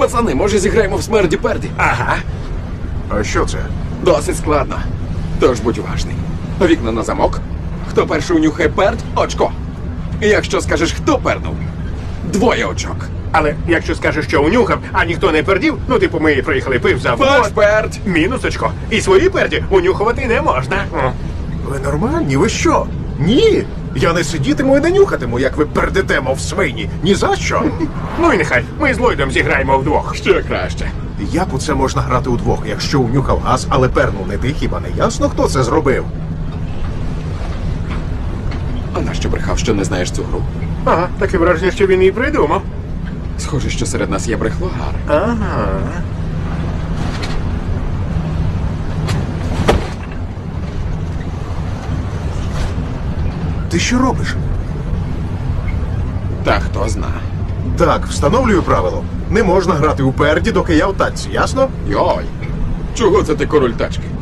Пацани, може зіграємо в смерді-перді? Ага. А що це? Досить складно. Тож будь уважний. Вікна на замок. Хто перший унюхає перд – очко. Якщо скажеш, хто пернув – 2 очок. Але якщо скажеш, що унюхав, а ніхто не пердів, ну типу ми приїхали пив за Ваш перд! мінус очко. І свої перді унюхувати не можна. Ви нормальні? Ви що? Ні! Я не сидітиму і не нюхатиму, як ви пердете, мов свині. Ні за що. Ну і нехай, ми з Ллойдом зіграємо вдвох. Ще краще. Як у це можна грати удвох, якщо унюхав газ, але пернув не ти, хіба не ясно, хто це зробив? А нащо брехав, що не знаєш цю гру? Ага, таке враження, що він її придумав. Схоже, що серед нас є брехлогар. Ага. Ти що робиш? Та хто зна. Так, встановлюю правило. Не можна грати у перді, доки я в тачці, ясно? Йой! Чого це ти король тачки?